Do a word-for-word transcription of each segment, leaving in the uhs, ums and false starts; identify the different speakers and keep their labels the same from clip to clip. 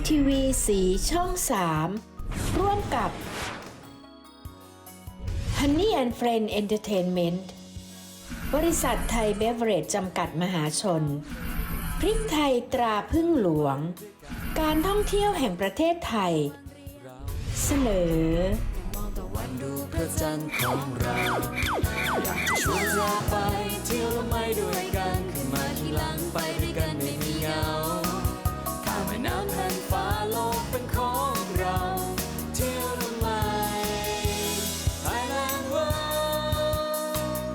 Speaker 1: ทีวีสีช่องสามร่วมกับ Honey and Friend Entertainment บริษัทไทยเบเวอเรจจำกัดมหาชนพริกไทยตราพึ่งหลวงการท่องเที่ยวแห่งประเทศไทยเสนอ
Speaker 2: มองตะวันดูพระจันทร์ของเราอยากจะชวนเราไปเที่ยวละไม่ด้วยกันขึ้นมาที่หลังไปด้วยกันไม่มีเหงาข้ามแม่น้ำแผ่านฟ้าโลกเป็นของเราเที่ยวละไม่ Thailand World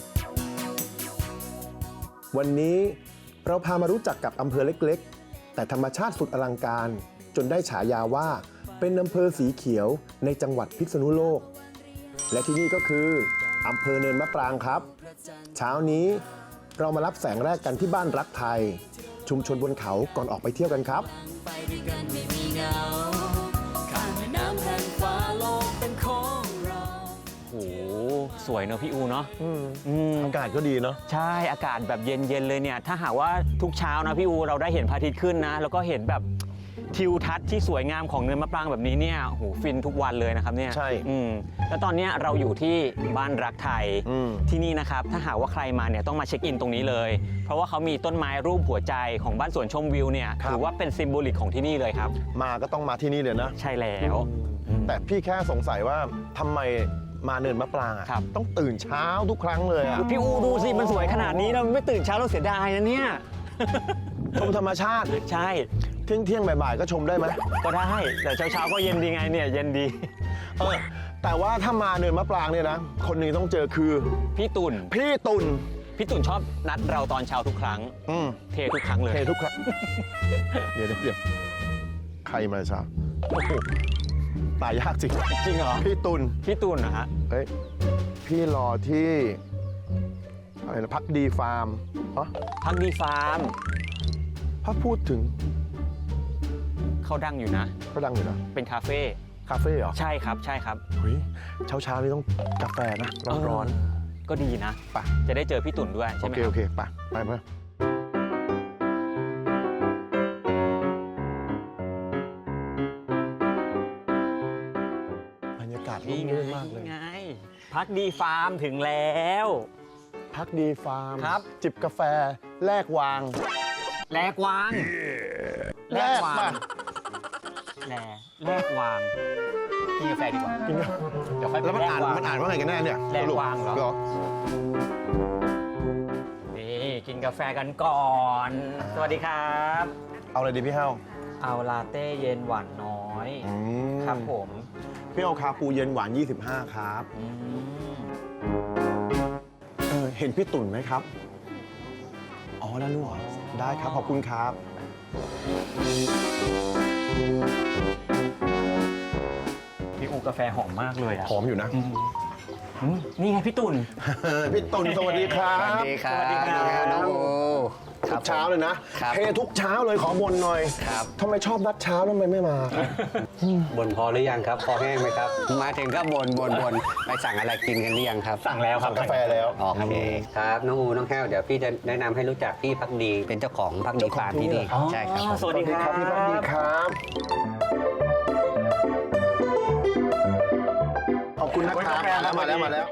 Speaker 3: วันนี้เราพามารู้จักกับอำเภอเล็กๆแต่ธรรมชาติสุดอลังการจนได้ฉายาว่าเป็นอำเภอสีเขียวในจังหวัดพิษณุโลกและที่นี่ก็คืออำเภอเนินมะปรางครับเช้านี้เรามารับแสงแรกกันที่บ้านรักไทยชุมชนบนเขาก่อนออกไปเที่ยวกันครับ
Speaker 2: ไปด้วยกันไม่มีเหงาข้ามแม่น้ำแผ่านฟ้าโลกเป็นของเรา
Speaker 4: โอ้โหสวยเนอะพี่อูเนาะ
Speaker 3: อากาศก็ดีเนาะ
Speaker 4: ใช่อากาศแบบเย็นๆเลยเนี่ยถ้าหากว่าทุกเช้านะพี่อูเราได้เห็นพระอาทิตย์ขึ้นนะแล้วก็เห็นแบบทิวทัศน์ที่สวยงามของเนินมะปรางแบบนี้เนี่ยโหฟินทุกวันเลยนะครับเนี่ย
Speaker 3: ใช่
Speaker 4: อืมแล้วตอนนี้เราอยู่ที่บ้านรักไทยที่นี่นะครับถ้าหากว่าใครมาเนี่ยต้องมาเช็คอินตรงนี้เลยเพราะว่าเขามีต้นไม้รูปหัวใจของบ้านสวนชมวิวเนี่ยถือว่าเป็นซิมโบลิกของที่นี่เลยครับ
Speaker 3: มาก็ต้องมาที่นี่เลยนะ
Speaker 4: ใช่แล้ว
Speaker 3: แต่พี่แค่สงสัยว่าทำไมมาเนินมะปรางอ่ะต้องตื่นเช้าทุกครั้งเลยอ่ะ
Speaker 4: พี่อูดูสิมันสวยขนาดนี้เราไม่ตื่นเช้าเราเสียดายนะเนี่ย
Speaker 3: ชมธรรมชาติ
Speaker 4: ใช่
Speaker 3: เที่ยงเที่ยงบ่ายๆก็ชมได้ไหม
Speaker 4: ก็ได้แต่เช้าเช้าก็เย็นดีไงเนี่ยเย็นดี
Speaker 3: เออแต่ว่าถ้ามาเนินมะปรางเนี่ยนะคนหนึ่งต้องเจอคือ
Speaker 4: พี่ตุ่น
Speaker 3: พี่ตุ่น
Speaker 4: พี่ตุ่นชอบนัดเราตอนเช้าทุกครั้งเททุกครั้งเลย
Speaker 3: เททุกครั้งเดี๋ยวเดี๋ยวใครมาเช้าตายยากจริง
Speaker 4: จริงเหรอ
Speaker 3: พี่ตุ่น
Speaker 4: พี่ตุ่นนะฮะ
Speaker 3: เฮ้ยพี่รอที่อะไรนะพักดีฟาร์มอ๋อ
Speaker 4: พักดีฟาร์ม
Speaker 3: ถ้าพูดถึง
Speaker 4: เขาดังอยู่นะ
Speaker 3: เขาดังอยู่นะ
Speaker 4: เป็นคาเฟ่
Speaker 3: คาเฟ่เหรอ
Speaker 4: ใช่ครับใช่ครับ
Speaker 3: เฮ้ยเช้าเช้านี่ต้องกาแฟนะร้อน
Speaker 4: ๆก็ดีนะ
Speaker 3: ไป
Speaker 4: จะได้เจอพี่ตุ่นด้วยใช่ไหม
Speaker 3: โอเคโอเคไปไปเพื่อบรรยากาศร่มรื่นมากเลย
Speaker 4: ไงพักดีฟาร์มถึงแล้ว
Speaker 3: พักดีฟาร์ม
Speaker 4: ครับ
Speaker 3: จิบกาแฟแลกวาง
Speaker 4: แลกวาง
Speaker 3: แลกวาง
Speaker 4: แลแลกวางกินกาแฟดีกว่า
Speaker 3: กิน
Speaker 4: เดี๋ยวค่อย
Speaker 3: แล้วมันอ่านมันอ่านว่าไงกันแน่เนี่ย
Speaker 4: แลกวางเหรอนี่กินกาแฟกันก่อนสวัสดีครับ
Speaker 3: เอาอะไรดีพี่เฮา
Speaker 4: เอาลาเต้เย็นหวานน้อยครับผม
Speaker 3: พี่เอาคาปูเย็นหวานยี่สิบห้าครับเออเห็นพี่ตุ่นไหมครับอ๋อแล้วนู่นเหรอได้ครับขอบคุณครับ
Speaker 4: พี่อูกาแฟหอมมากเลยอะ
Speaker 3: หอมอยู่นะ
Speaker 4: นี่ไงพี่ตุ่น
Speaker 3: พี่ตุ่นสวัสดีครับ
Speaker 5: สวัสดีครับน้องอู
Speaker 3: ทุกเช้าเลยนะเททุกเช้าเลยขอบ่นหน่อยทำไมชอบนัดเช้าทำไมไม่มา
Speaker 5: บ่นพอหรือยังครับพอแห้งไหมครับมาถึงก็บ่นบ่นบ่นไปสั่งอะไรกินกันหรือยังครับ
Speaker 4: สั่งแล้วครับ
Speaker 3: กาแฟแล้ว
Speaker 5: โอเคครับน้องอูน้องแห้วเดี๋ยวพี่จะแนะนำให้รู้จักพี่พักดีเป็นเจ้าของพักดีฟาร์มที่นี่ใช่ครับ
Speaker 4: สวัสดีครับ
Speaker 3: พี่พักดีครับขอบคุณนะครับมาแล้วมาแล้ว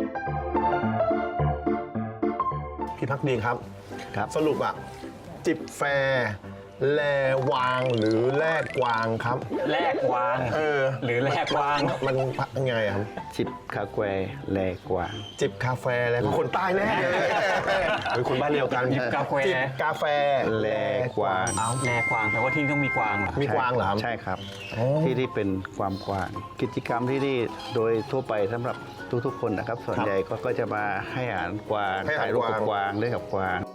Speaker 3: พี่พักดีครับครับสรุปอะจิบแฟแลวางหรือแลกวางครับ
Speaker 4: แลกวาง
Speaker 3: เออ
Speaker 4: หรือแลกวาง
Speaker 3: มันยังไงครับ
Speaker 5: จิบคาแควแลกวาง
Speaker 3: จิบกาแฟแล้วคนใต้แน่เลยเป็นคนบ้านเดียวกัน
Speaker 4: จิบกาแฟ
Speaker 3: จิบกาแฟ
Speaker 5: แลกวาง
Speaker 4: เอาแลกวางแปลว่าที่ต้องมีกวางเหรอ
Speaker 3: มีกวางเหรอ
Speaker 5: ใช่ครับที่ที่เป็นความกวางกิจกรรมที่นี่โดยทั่วไปสำหรับทุกๆคนนะครับส่วนใหญ่ก็จะมาให้อาหารกวางถ่ายรูปกับกวางเล่นกับกวาง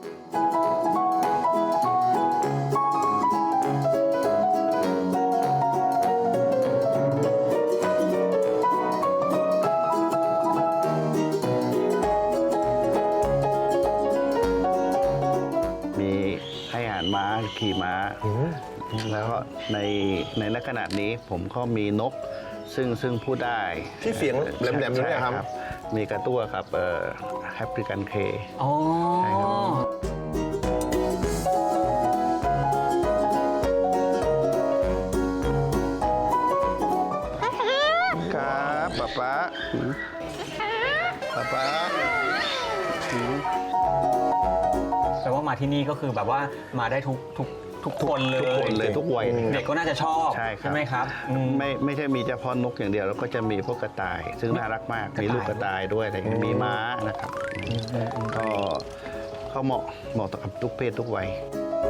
Speaker 5: ม้าขี่ม้าแล้วก็ในในณขณะนี้ผมก็มีนกซึ่งซึ่งพูดได้
Speaker 3: ที่เสียงแหลมๆนี่ครับ
Speaker 5: มีกระตั้วครับเอ่อแอฟริกันเค
Speaker 4: อ๋อใช่ครับ
Speaker 5: ป๊าป๊าป๊า
Speaker 4: แปลว่ามาที่นี่ก็คือแบบว่ามาได้ทุกทุกทุกคนเลย
Speaker 5: ทุกคนเลยทุกวัย
Speaker 4: เด็กก็น่าจะชอบ
Speaker 5: ใช่ครับ
Speaker 4: ไหมครับอืม
Speaker 5: ไม่ไม่ใช่มีเฉพาะนกอย่างเดียวแล้วก็จะมีพวกกระต่าย ซึ่งน่ารักมาก
Speaker 4: กระต่าย
Speaker 5: มีลูกกระต่ายด้วยอะไรอย่างเงี้ยมีม้านะครับก็เขาเหมาะเหมาะกับทุกเพศทุกวัย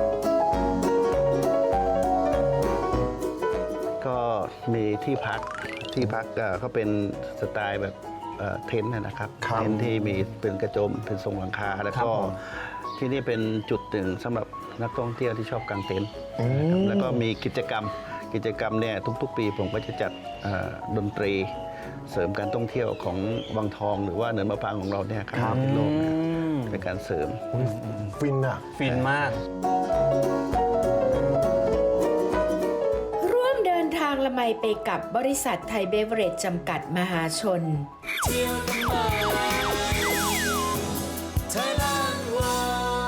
Speaker 5: ก็มีที่พักที่พักเอ่อก็เป็นสไตล์แบบเอ่อเทนท์นะครับ
Speaker 3: ครับ
Speaker 5: เทนท์ที่มีเป็นกระโจมเป็นทรงหลังคาแล้ว
Speaker 4: ครับ
Speaker 5: ก็
Speaker 4: ผม
Speaker 5: ที่นี่เป็นจุดหนึ่งสำหรับนักท่องเที่ยวที่ชอบกางเต็นท์
Speaker 3: อืม
Speaker 5: แล้วก็มีกิจกรรมกิจกรรมเนี่ยทุกๆ ปีผมก็จะจัดเอ่อดนตรีเสริมการท่องเที่ยวของวังทองหรือว่าเนินมะปรางของเราเนี่ยครับเป็นโลกเนี่ยเป็นการเสริม
Speaker 3: ฟินอ่ะ
Speaker 4: ฟินมาก
Speaker 1: ร่วมเดินทางละไมไปกับบริษัทไทยเบเวอเรจจำกัดมหาชน
Speaker 2: เที่ยวกันมาไทยแลนด์วอ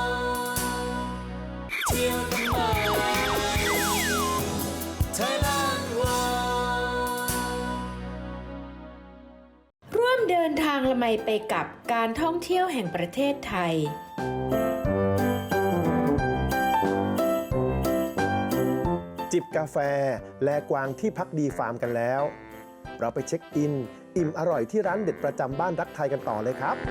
Speaker 2: เที่ยวกันมาไทยแลนด์วอ
Speaker 1: ร่วมเดินทางละไมไปกับการท่องเที่ยวแห่งประเทศไทย
Speaker 3: จิบกาแฟแลกวางที่พักดีฟาร์มกันแล้ว เราไปเช็คอิน อิ่มอร่อยที่ร้านเด็ดประจำบ้านรักไทยกันต่อเลยครับ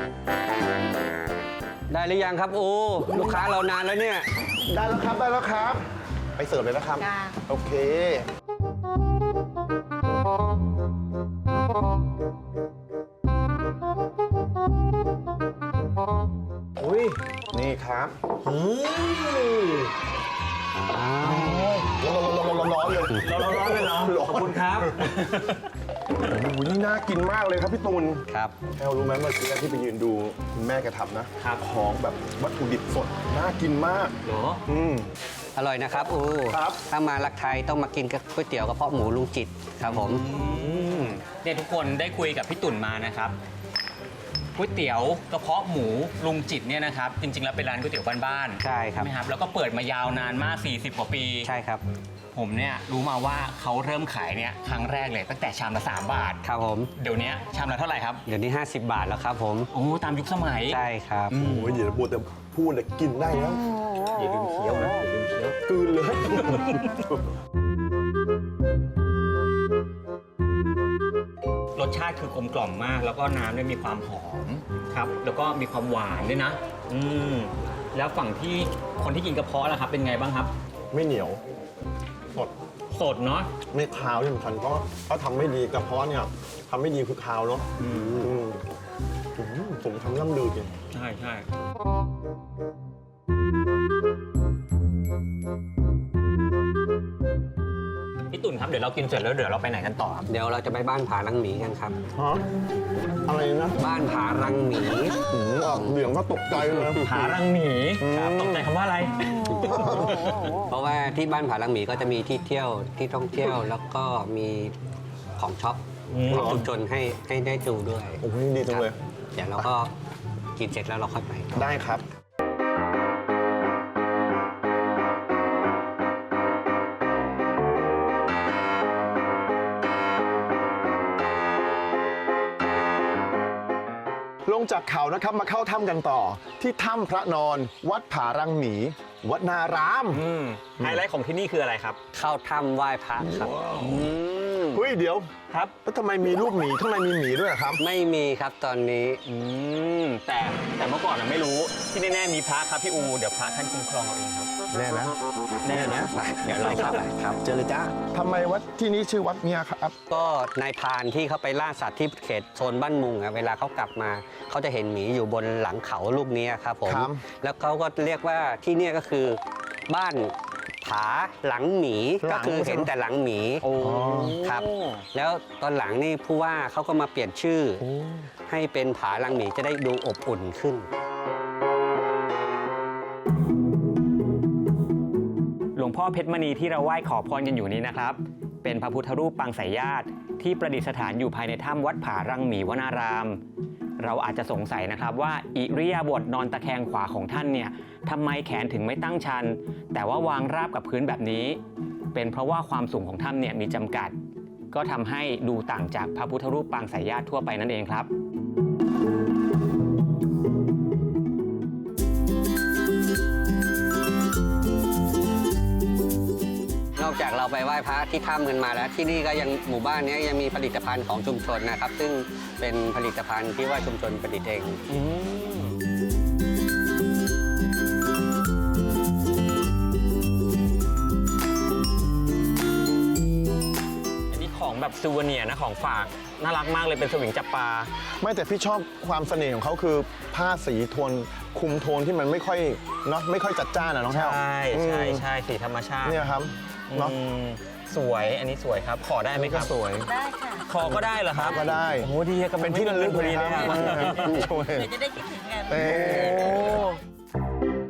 Speaker 6: ได้หรือยังครับโอ้ลูกค้าเรานานแล้วเนี่ย
Speaker 3: ได้แล้วครับได้แล้วครับ ไปเสิร์ฟเลยนะครับ โอเค อุ้ย นี่ครับอืมร้อนร้อนร้อนร้อนเลย
Speaker 4: ร้อนร้อนเลยเหรอขอบคุณครับ
Speaker 3: โอ้โหนี่น่ากินมากเลยครับพี่ตูน
Speaker 6: ครับ
Speaker 3: แอลรู้ไหมเมื่อกี้ที่ไปยืนดูคุณแม่แกทำนะครับ ของแบบวัตถุดิบสด น่ากินมาก
Speaker 4: เหรอ
Speaker 3: อืม
Speaker 6: อร่อยนะครับโอ้
Speaker 3: ครับ
Speaker 6: ถ้ามาลักไทยต้องมากินกับก๋วยเตี๋ยวกระเพาะหมูลุงจิตครับผม
Speaker 4: เนี่ยทุกคนได้คุยกับพี่ตุ่นมานะครับก๋วยเตี๋ยวกระเพาะหมูลุงจิตเนี่ยนะครับจริงๆแล้วเป็นร้านก๋วยเตี๋ยวบ้านๆ
Speaker 6: ใช่ครับ
Speaker 4: ไหมครับแล้วก็เปิดมายาวนานมากสี่สิบกว่าปี
Speaker 6: ใช่ครับ
Speaker 4: ผมเนี่ยรู้มาว่าเขาเริ่มขายเนี่ยครั้งแรกเลยตั้งแต่ชามละสามบาท
Speaker 6: ครับผม
Speaker 4: เดี๋ยวนี้ชามละเท่าไหร่ครับ
Speaker 6: เดี๋ยวนี้ ห้าสิบบาทแล้วครับผม
Speaker 4: โอ้ตามยุคสมัย
Speaker 6: ใช่ครับ
Speaker 3: โอ้ยเดี๋ยวบัวแต่พูดเลยกินได้แล้ว
Speaker 4: อย่าลืมเคี้ยวนะอย่าลืมเคี้ยว
Speaker 3: กลืนเลย
Speaker 4: รสชาติคือกลมกล่อมมาก แล้วก็น้ำเนี่ยมีความหอมครับ แล้วก็มีความหวานด้วยนะ อืมแล้วฝั่งที่คนที่กินกระเพาะล่ะครับ เป็นไงบ้างครับ
Speaker 3: ไม่เหนียว สด
Speaker 4: สดเนาะ
Speaker 3: ไม่คาวที่สำคัญเพราะถ้าทำไม่ดีกระเพาะเนี่ยทำไม่ดีคือคาวเนาะอืมอืมผมทำล่ำลือจริง
Speaker 4: ใช่ใช่พี่ตุ่นครับเดี๋ยวเรากินเสร็จแล้วเดี๋ยวเราไปไหนกันต่อครับ
Speaker 6: เดี๋ยวเราจะไปบ้านผารังหมีกันครับ
Speaker 3: ฮะ อะไรนะ
Speaker 6: บ้านผารังหมี
Speaker 3: อืมออกเหลืองก็ตกใจเลย
Speaker 4: หารังหมีครับตกใจคำว่าอะไร
Speaker 6: เพราะว่าที่บ้านผารังหมีก็จะมีที่เที่ยวที่ท่องเที่ยวแล้วก็มีของช็อป
Speaker 4: อืม
Speaker 6: ของชุมชนให้ให้ได้ดูด้วย
Speaker 3: โอ้โหดีจังเลย
Speaker 6: ครับเดี๋ยวเราก็กินเสร็จแล้วเราค่อยไป
Speaker 3: ได้ครับ ลงจากเขานะครับมาเข้าถ้ำกันต่อ ที่ถ้ำพระนอน วัดผารังหมี วัดนาราม
Speaker 4: อืมไฮไลท์ของที่นี่คืออะไรครับ
Speaker 6: เข้าถ้ำไหว้พระครับ
Speaker 3: เฮ้ยเดี๋ยว
Speaker 4: ครับ
Speaker 3: แล้วทำไมมีรูปหมีข้างในมีหมีด้วยอะครับ
Speaker 6: ไม่มีครับตอนนี้
Speaker 4: อืมแต่แต่เมื่อก่อนเราไม่รู้ที่แน่ๆมีพระครับพี่อูเดี๋ยวพระท่านคุ้มครองเราเองครับ
Speaker 3: แน่นะ
Speaker 4: แน่นะเดี๋ยวเราครับ
Speaker 3: ครับ เจอเลยจ้าทำไมวัดที่นี้ชื่อวัดเนี่ยครับ
Speaker 6: ก็นายพรานที่เขาไปล่าสัตว์ที่เขตโซนบ้านมุงอะเวลาเขากลับมาเขาจะเห็นหมีอยู่บนหลังเขาลูกนี้ครับผม
Speaker 3: ครับ
Speaker 6: แล้วเขาก็เรียกว่าที่เนี่ยก็คือบ้านผาหลังหมีก็คือเห็นแต่หลังหมี
Speaker 4: โอ้
Speaker 6: ครับ แล้วตอนหลังนี่ผู้ว่าเขาก็มาเปลี่ยนชื่อ ให้เป็นผาหลังหมีจะได้ดูอบอุ่นขึ้น
Speaker 4: หลวงพ่อเพชรมณีที่เราไหว้ขอพรกันอยู่นี้นะครับ เป็นพระพุทธรูปปางสายญาติที่ประดิษฐานอยู่ภายในถ้ำวัดผารังหมีวนาราม เราอาจจะสงสัยนะครับว่าอิริยาบถนอนตะแคงขวาของท่านเนี่ยทำไมแขนถึงไม่ตั้งชัน แต่ว่าวางราบกับพื้นแบบนี้ เป็นเพราะว่าความสูงของถ้ำเนี่ยมีจำกัดก็ทำให้ดูต่างจากพระพุทธรูปปางสายญาติทั่วไปนั่นเองครับ
Speaker 6: นอกจากเราไปไหว้พระที่ถ้ำกันมาแล้ว ที่นี่ก็ยังหมู่บ้านนี้ยังมีผลิตภัณฑ์ของชุมชนนะครับ ซึ่งเป็นผลิตภัณฑ์ที่ว่าชุมชนผลิตเอง
Speaker 4: อันนี้ของแบบซูเวเนียร์นะของฝากน่ารักมากเลยเป็นสวิงจับปลา
Speaker 3: ไม่แต่พี่ชอบความเสน่ห์ของเขาคือผ้าสีโทนคุมโทนที่มันไม่ค่อยเนาะไม่ค่อยจัดจ้านอะน้องแท้ว
Speaker 4: ใช่ใช่ใช่สีธรรมชาติ
Speaker 3: เนี่ยครับเนาะ
Speaker 4: อืมสวยอันนี้สวยครับ ขอได้ไหมครับ
Speaker 3: สวย
Speaker 7: ได้ค่ะ
Speaker 4: ขอก็ได้เหรอครับ
Speaker 3: ก็ได้
Speaker 4: โอ้โหดีอะก็
Speaker 3: เป็นที่ระลึก
Speaker 4: พอดีเลย
Speaker 3: ครับ
Speaker 4: อะ
Speaker 3: ช่วย
Speaker 7: เดี๋ยวจะได้คิดถึงกัน
Speaker 3: เอ้ย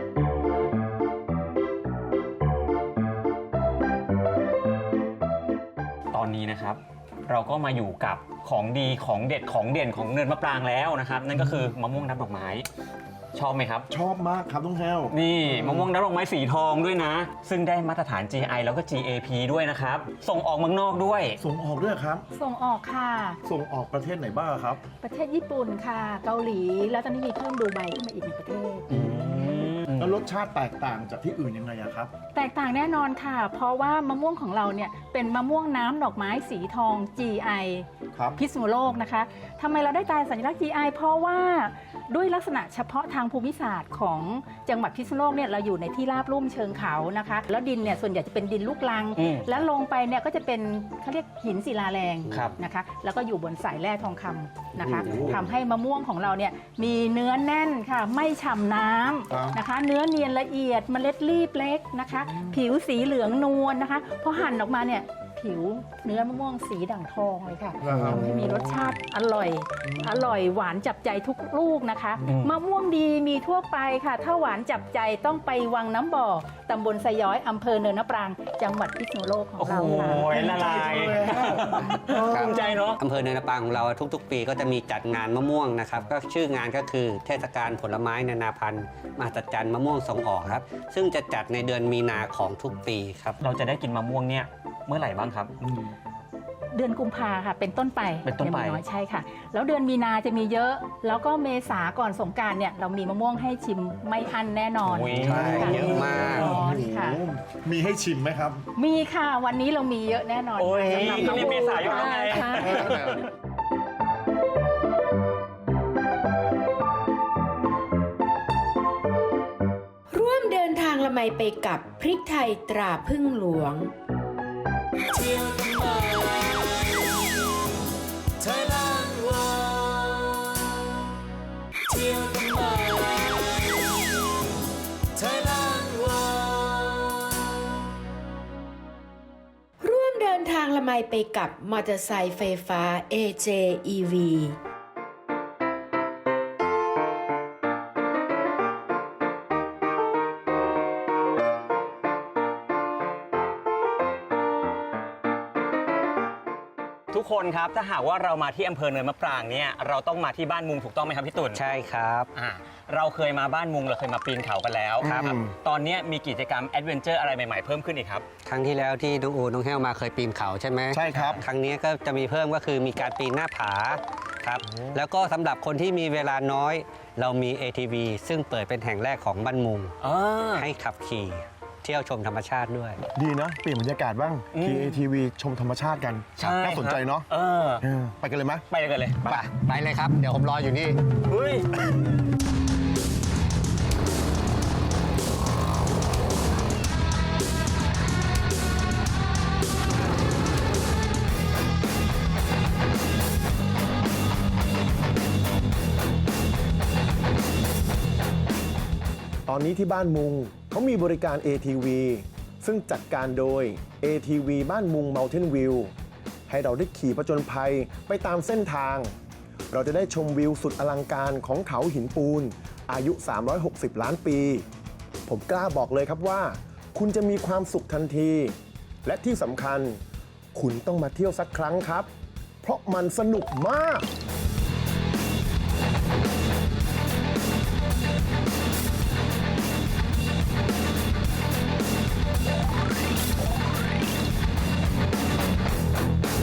Speaker 4: ตอนนี้นะครับ เราก็มาอยู่กับของดีของเด็ดของเด่นของเนินมะปรางแล้วนะครับ นั่นก็คือมะม่วงน้ำดอกไม้ ชอบไหมครับ
Speaker 3: ชอบมากครับน้องแท้ว
Speaker 4: นี่มะม่วงน้ำดอกไม้สีทองด้วยนะ ซึ่งได้มาตรฐาน จี ไอ แล้วก็ จี เอ พี ด้วยนะครับ ส่งออกเมืองนอกด้วย
Speaker 3: ส่งออกด้วยครับ
Speaker 7: ส่งออกค่ะ
Speaker 3: ส่งออกประเทศไหนบ้างครับ
Speaker 7: ประเทศญี่ปุ่นค่ะ เกาหลี แล้วตอนนี้มีเพิ่มดูไบขึ้นมาอีกหนึ่งประเทศ
Speaker 3: แล้วรสชาติแตกต่างจากที่อื่นยังไงอะครับ
Speaker 7: แตกต่างแน่นอนค่ะ เพราะว่ามะม่วงของเราเนี่ยเป็นมะม่วงน้ำดอกไม้สีทอง จี ไอ
Speaker 3: ครับ
Speaker 7: พิษณุโลกนะคะทำไมเราได้ตราสัญลักษณ์ จี ไอ เพราะว่าด้วยลักษณะเฉพาะทางภูมิศาสตร์ของจังหวัดพิษณุโลกเนี่ยเราอยู่ในที่ราบลุ่มเชิงเขานะคะ แล้วดินเนี่ยส่วนใหญ่จะเป็นดินลูกรัง
Speaker 4: อืม
Speaker 7: แล้วลงไปเนี่ยก็จะเป็นเขาเรียกหินศิลาแรง
Speaker 4: ครับ
Speaker 7: นะคะ แล้วก็อยู่บนสายแร่ทองคำนะคะ
Speaker 3: โอ้โห
Speaker 7: ทำให้มะม่วงของเราเนี่ยมีเนื้อแน่นค่ะไม่ฉ่ำน้
Speaker 3: ครับ
Speaker 7: ำนะคะ เนื้อเนียนละเอียดเมล็ดรีบเล็กนะคะ ผิวสีเหลืองนวลนะคะพอหั่นออกมาเนี่ยผิวเนื้อมะม่วงสีด่างทองเลยค่ะ
Speaker 3: ครับ
Speaker 7: ทำให้มีรสชาติอร่อย อร่อยหวานจับใจทุกลูกนะคะ
Speaker 4: อืม
Speaker 7: มะม่วงดีมีทั่วไปค่ะ ถ้าหวานจับใจต้องไปวังน้ำบ่อตำบลสะย้อยอำเภอเนินนปราง จังหวัดพิษณุโลกของ
Speaker 4: โอ้โห
Speaker 7: เราค่ะ
Speaker 4: ละลายภูมิใจเนาะ
Speaker 6: อำเภอเนินนปางของเราทุกๆ ปีก็จะมีจัดงานมะม่วงนะครับก็ชื่องานก็คือเทศกาลผลไม้นานาพันธุ์มหัศจรรย์มะม่วงส่งออกครับ ซึ่งจะจัดในเดือนมีนาของทุกปีครับ
Speaker 4: เราจะได้กินมะม่วงเนี่ยเมื่อไหร่บ้างครับ
Speaker 7: เดือนกุมภาค่ะ เป็นต้นไป
Speaker 4: เป็นต้นไป
Speaker 7: ยังมีน้อยใช่ค่ะ แล้วเดือนมีนาจะมีเยอะ แล้วก็เมษาก่อนสงกรานต์เนี่ยเรามีมะม่วงให้ชิมไม่อั้นแน่นอน
Speaker 4: โอ้ย
Speaker 6: ใช่
Speaker 7: ค่
Speaker 6: เยอะมาก
Speaker 7: แน่นอนค่ะ
Speaker 3: มีให้ชิมไหมครับ
Speaker 7: มีค่ะวันนี้เรามีเยอะแน่นอน
Speaker 4: โอ้ย
Speaker 7: สำหรับ
Speaker 4: ก็นี่เมษายนแล้วไง
Speaker 7: ค่ะ
Speaker 1: ร่วมเดินทางละไมไปกับพริกไทยตราพึ่งหลวง
Speaker 2: เที่ยวกันมาไทยแลนด์วอเที่ยวกันมาไทยแลนด์วอ
Speaker 1: ร่วมเดินทางละไมไปกับมอเตอร์ไซค์ไฟฟ้า เอ เจ อี วี
Speaker 4: ทุกคนครับถ้าหากว่าเรามาที่อำเภอเนินมะปรางเนี่ยเราต้องมาที่บ้านมุงถูกต้องไหมครับพี่ตุ่น
Speaker 6: ใช่ครับ
Speaker 4: อ่าเราเคยมาบ้านมุงเราเคยมาปีนเขากันแล้ว
Speaker 3: ครับ
Speaker 4: ตอนนี้มีกิจกรรมแอดเวนเจอร์อะไรใหม่ๆเพิ่มขึ้นอีกครับ
Speaker 6: ครั้งที่แล้วที่น้องอูน้องแห้วมาเคยปีนเขาใช่ไหม
Speaker 3: ใช่ครับ
Speaker 6: ครั้งนี้ก็จะมีเพิ่มก็คือมีการปีนหน้าผาครับแล้วก็สำหรับคนที่มีเวลาน้อย เรามี เอ ที วี ซึ่งเปิดเป็นแห่งแรกของบ้านมุง
Speaker 4: อ่า
Speaker 6: ให้ขับขี่เที่ยวชมธรรมชาติด้วย
Speaker 3: ดีนะ เปลี่ยนบรรยากาศบ้าง
Speaker 4: อืม
Speaker 3: ที เอ ที วี ชมธรรมชาติกัน
Speaker 4: ใช่
Speaker 3: น่าสนใจเนาะ
Speaker 4: เออ
Speaker 3: เออไปกันเลยไหม
Speaker 4: ไปกันเลย
Speaker 6: ไปไปเลยครับ เดี๋ยวผมรออยู่นี่
Speaker 4: เฮ้ย
Speaker 3: ตอนนี้ที่บ้านมุงเขามีบริการ เอ ที วี ซึ่งจัดการโดย เอ ที วี บ้านมุง Mountain View ให้เราได้ขี่ผจญภัยไปตามเส้นทาง เราจะได้ชมวิวสุดอลังการของเขาหินปูน อายุ สามร้อยหกสิบ ล้านปี ผมกล้าบอกเลยครับว่า คุณจะมีความสุขทันที และที่สำคัญ คุณต้องมาเที่ยวสักครั้งครับ เพราะมันสนุกมาก
Speaker 2: เ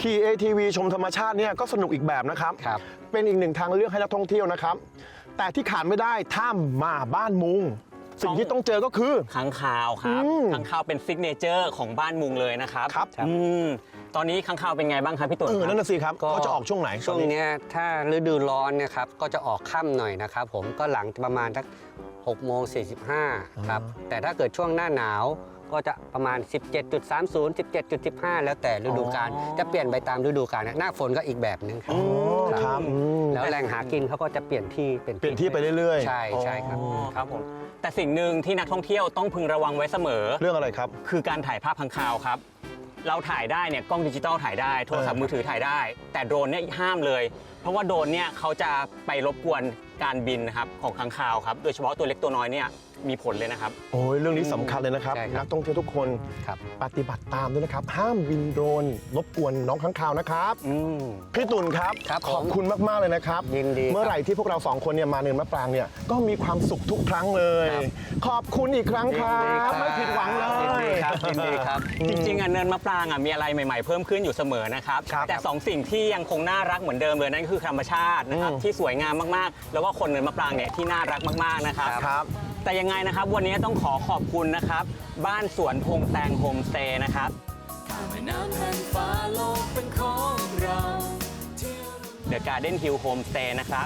Speaker 3: ขี่ เอ ที วี ชมธรรมชาติเนี่ยก็สนุกอีกแบบนะครับ
Speaker 6: ครับ
Speaker 3: เป็นอีกหนึ่งทางเลือกให้นักท่องเที่ยวนะครับ แต่ที่ขาดไม่ได้ถ้ามาบ้านมุง สิ่งที่ต้องเจอก็คือ
Speaker 4: ค้างคาวครับ
Speaker 3: อืม
Speaker 4: ค้างคาวเป็นซิกเนเจอร์ของบ้านมุงเลยนะครับ
Speaker 3: ครับ
Speaker 4: อืมตอนนี้ค้างคาวเป็นไงบ้างครับพี่ตุ่น
Speaker 3: เออ
Speaker 4: ครับ
Speaker 3: นั่นน่ะสิครับ
Speaker 6: ก็
Speaker 3: เขาจะออกช่วงไหน
Speaker 6: ช่วงเนี้ยถ้าฤดูร้อนเนะครับก็จะออกค่ำหน่อยนะครับผมก็หลังประมาณสักหกโมงสี่สิบห้าครับแต่ถ้าเกิดช่วงหน้าหนาวก็จะประมาณ สิบเจ็ดจุดสามศูนย์ สิบเจ็ดจุดสิบห้า แล้วแต่ฤดูกาลจะเปลี่ยนไปตามฤดูกาลนะหน้าฝนก็อีกแบบนึงครับ
Speaker 3: อ๋อครับอืม
Speaker 6: แล้วแหล่งหากินเขาก็จะเปลี่ยนที่
Speaker 3: เปลี่ยนที่ไปเรื่อยๆ
Speaker 6: ใช่ใช่ครับ
Speaker 4: อ๋อครับผมแต่สิ่งหนึ่งที่นักท่องเที่ยวต้องพึงระวังไว้เสมอ
Speaker 3: เรื่องอะไรครับ
Speaker 4: คือการถ่ายภาพค้างคาวครับ เราถ่ายได้เนี่ยกล้องดิจิตอลถ่ายได้โทรศัพท์
Speaker 3: เออ
Speaker 4: มือถือถ่ายได้ แต่โดรนเนี่ยห้ามเลย เพราะว่าโดรนเนี่ยเขาจะไปรบกวนการบินนะครับของค้างคาวครับโดยเฉพาะตัวเล็กตัวน้อยเนี่ยมีผลเลยนะครับ
Speaker 3: โอ้ยเรื่องนี้สำคัญเลยนะครับ
Speaker 6: ใช่ครับ
Speaker 3: นักท่องเที่ยวทุกคน
Speaker 6: ครับ
Speaker 3: ปฏิบัติตามด้วยนะครับ ห้ามบินโดรนรบกวนน้องค้างคาวนะครับ
Speaker 4: อืม
Speaker 3: พี่ตุ่นครับ
Speaker 6: ครับ
Speaker 3: ขอบ
Speaker 6: ผม
Speaker 3: คุณมาก ๆ เลยนะครับ
Speaker 6: ยินดีครับ
Speaker 3: เมื่อไหร่ที่พวกเราสองคนเนี่ยมาเนินมะปรางเนี่ยก็มีความสุขทุกครั้งเลย
Speaker 6: ครับ
Speaker 3: ขอบคุณอีกครั้งครับไม่ผิดหวังเลย
Speaker 6: ยินดีครับยินดีครับ
Speaker 4: จริงๆอ่ะเนินมะปรางอ่ะมีอะไรใหม่ๆเพิ่มขึ้นอยู่เสมอนะครับ
Speaker 3: ครับ
Speaker 4: แต่สองสิ่งที่ยังคงน่ารักเหมือนเดิมเลยนั่นก็คือธรรมชาตินะครับ
Speaker 3: อืม
Speaker 4: ที่สวยงามมากๆ แล้วก็คนเนินมะปรางเนี่ยที่น่ารักมากๆนะครับ
Speaker 3: ครับ
Speaker 4: แต่ยังไงนะครับวันนี้ต้องขอขอบคุณนะครับ บ้านสวนพงแตงโฮมสเตย์นะครับ
Speaker 2: ข้ามแม่น้ำแผ่นฟ้าโลกเป็นของเรา
Speaker 4: The Garden Hill Homestay นะครับ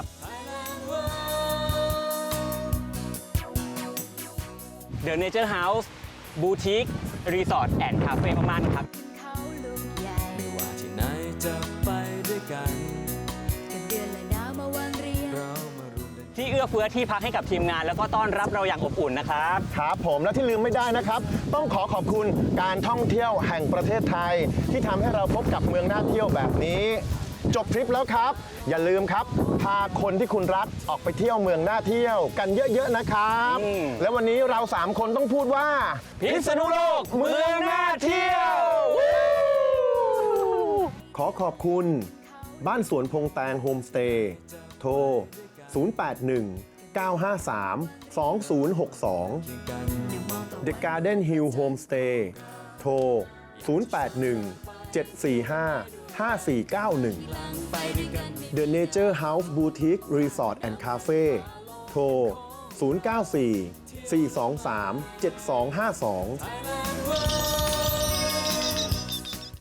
Speaker 4: The Nature House Boutique Resort and Cafe มากๆนะครับ
Speaker 8: เขาลูกใหญ่
Speaker 2: ไม่ว่าที่ไหนจะไปด้วยกัน
Speaker 8: กันเดือนและดาวมาวางเรียง
Speaker 2: เรามารวมเดิน
Speaker 4: ที่เอื้อเฟื้อที่พักให้กับทีมงาน แล้วก็ต้อนรับเราอย่างอบอุ่นนะครับ
Speaker 3: ครับผมและที่ลืมไม่ได้นะครับ ต้องขอขอบคุณการท่องเที่ยวแห่งประเทศไทย ที่ทำให้เราพบกับเมืองน่าเที่ยวแบบนี้ จบทริปแล้วครับ อย่าลืมครับพาคนที่คุณรักออกไปเที่ยวเมืองน่าเที่ยวกันเยอะๆนะครับ
Speaker 4: อืม
Speaker 3: และวันนี้เราสามคนต้องพูดว่า
Speaker 4: พิษณุโลกเมืองน่าเที่ยว
Speaker 3: ขอขอบคุณ บ้านสวนพงแตงโฮมสเตย์โทร ศูนย์ แปด หนึ่ง เก้า ห้า สาม สอง ศูนย์ หก สอง The Garden Hill Homestay โทร ศูนย์ แปด หนึ่ง เจ็ด สี่ ห้า ห้า สี่ เก้า หนึ่ง The Nature House Boutique Resort and Cafe โทร ศูนย์ เก้า สี่ สี่ สอง สาม เจ็ด สอง ห้า สอง